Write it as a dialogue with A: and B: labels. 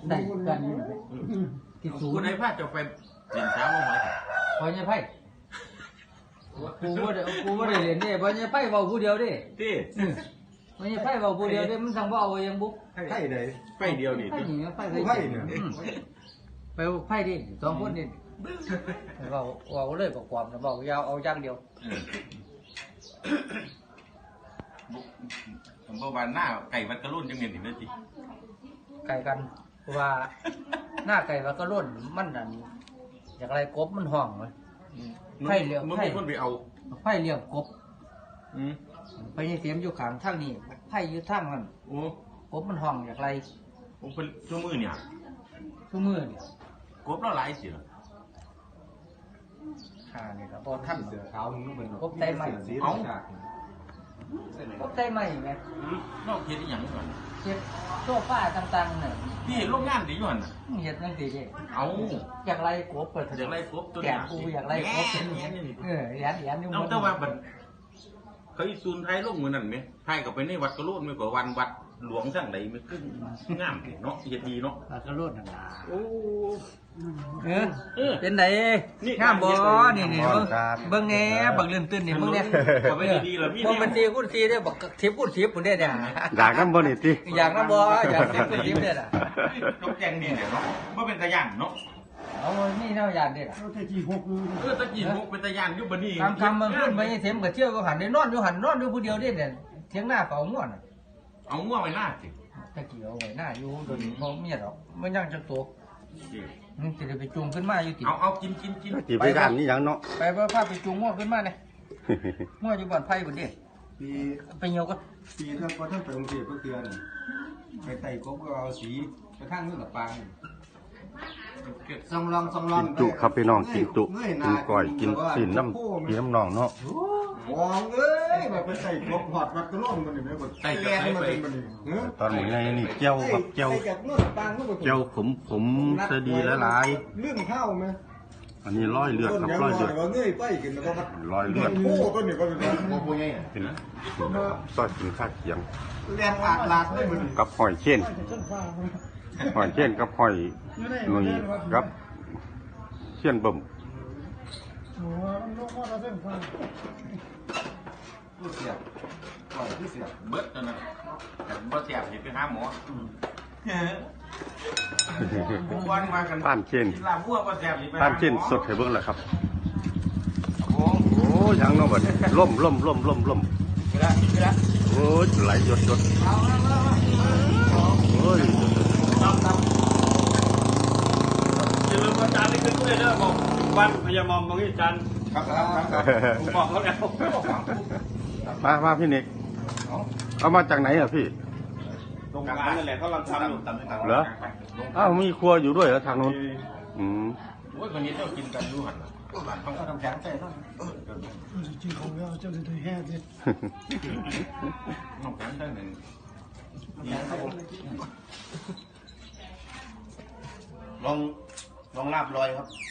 A: ได้กันที่สูง
B: คุณไอ้พาจะไปเรียนเช้าบ้างไหม
A: พอเนี่ยไพ่กูว่าได้เรียนเนี่ยพอเนี่ยไพ่เบาผู้เดียวดิ
B: ที่
A: พอเนี่ยไพ่เบาผู้เดียวดิมันสั่งว่าเอายังบุ๊ก
C: ไพ่ไหน
B: ไปเดียวนี่
A: ไพ่หนีไพ่
C: ไพ่เนี่ย
A: ไปไพ่ดิสองคนดิเราเลยประกอบนะบอกยาวเอาย่างเดียว
B: ผมบอกว่าหน้าไก่วัดกระลุ่นจังเงินถึงได้จี
A: ไก่กันว่าหน้าไก่ว่าก็ร่นมันนั่นอย่างไรกบมันห้องเลยไพ่เลี้ยง
B: เมื่อ
A: ไพ่
B: มีคนไปเอา
A: ไพ่เลี้ยงกบ
B: อืม
A: ไปยังเสียมอยู่ข้างทางนี้ไพ่อยู่ทางนั้น
B: โอ้
A: กบมันห้องอย่างไร
B: ผมเป็นชั่วมือเนี่ย
A: ทุกมือเนี่ย
B: กบแล้วหลายเสีย
A: นี่ครับพอท่าน
C: เสือขาวมึงก็เป็น
A: กบได้ไหม
C: สี
B: เอา
C: ฉาก
A: กบได้ไหมไง
B: นอกเฮ็ดอีหยังก่อน
A: เช็ดโซฟาต่างๆเนี่ย
B: พี่เห็นโรงงานดีอยู่หั่นน่ะ
A: เห็ดนั่งดีดิ
B: เอา
A: อย่างไรกบเปิด
B: อยากไล่กบตัว
A: แกะกูอย่างไรกบเป็น
B: แง่นี่
A: แย่นี่
B: เอาแต่ว่าบัดเขาอีซูนไทยลงมือนั่นไหมไทยก็ไปในวัดกระโลดไม่กว่าวันวัดหลวงสั่งไหนไม่ขึ้นงามเนาะเฮ็ดดีเนาะ
A: ปลากระโดดนั่นล่ะ
B: โอ้
A: เป็นไหนงามบ่นี่เบิ่งแหน่บักเลื่อนตื้นนี่มึงเนี่ย
B: ก็ไม่ดีๆล่ะพี่
A: บ่เป็นตีกูตีได้บักทิพกูทิพพุ่นได้เนี่ย
D: อยากน้ำบ่นี่ติ
A: อยากนำบ่อยากทิพกูทิพได้ล่ะ
B: นกแจงนี่เนาะบ่เป็นตะย่านเนาะ
A: เอานี่แนวยานได้ล่ะ
B: ตะกี้มุกเป็นตะย่านอยู่บ่นี่
A: คำมันขึ้นไปเสียมก็เที่ยวก็หันได้นอนอยู่ผู้เดียวได้เนี่ยเถียงหน้าเฝ้าง่วน
B: เอาง่วงไว้หน้าสิ
A: ตะกี้เอาไว้หน้าอยู่โดนบ่มีหรอกมันยังจักตัวมึงสิได้ไปจูงขึ้นมาอยู่ติ
B: เอากิน
D: จีไปด้านนี้หยังเนาะ
A: ไปพาไปจูงง่วขึ้นมาเนี่ยง่วอยู่บ่อนไผ่พุ่นเด้
C: ปี
A: ไปเหี่ยวก็
C: ปีถ้าพอท่านไปกรุงเทพก็เตือนไปไต่กบก็เอาสีไปข้างนู้นกับปางซองลอง
D: กินจุครับพี่น้องกินจุกินก้อยกินสินน้ำพี่น้ำน้องเนาะ
C: มองเอ้ยแบบไปไต่กบหอดวัดกระโล่งมันนี่ไหมแบบแกมันเป็นมันนี่
D: ตอนนี้ไงนี่เจียวครับเจียว
C: ไต่จากนู้นกับปางนู้นกับ
D: เจียวผมสดีหลาย
C: เรื่องข้าวไหม
D: ๆอันนี้ร้อยเลือดครับร้อยเลือด
C: ว่าเงยไปกินแล้วก็
D: ร้อยเลือด
C: โอ้ต้นนี่ก็เป็นโมโหไง
D: เป็นซอยกินข้าวเคียง
C: เรียนลาดได้เหมือน
D: กับหอยเช่นหอยเช่นกับหอยหนุ่ยกับเชี่ยนบ่ม
C: ผู้เสียบก่อนผู้เสียบ
B: เบิดตอนนั้นบ่แซ่บสิไปหาหมอผมว่ามากัน
D: ป้านเช่น
B: กินลาบวัวบ่แซ่บสิไปหาหมอ
D: ป้านเช่นสดให้เบิ่งแหละครับ
B: โอ้
D: โอ้ยังเนาะบัดนี้ล่ม
A: ไปละ
D: โอ้ยไหลหยดโอ้ย
E: อย่าลืมอาจารย์นี่ขึ้นด้วยเด้อบอกวันพยามอมบางทีอาจารย์
C: ครับ
E: ผมบอกเขาแล้ว
D: มาพี่เน็กเอามาจากไหนอ่ะพี่
E: โรงงานนั่นแหละเขากำลังทำอยู่
D: เหรออ้าวมีครัวอยู่ด้วยเหรอทางนู้นอืม
B: โอ้ยวันนี้เจ้ากินกันอยู่หั่นน่ะบ้านเขา
C: เอาน้ำแข็งใส่หน่อย
F: จริงของเราจะเลยแห่ดิ
B: น้องแข็งได้หนึ่ง
C: ลองลาบลอยครับ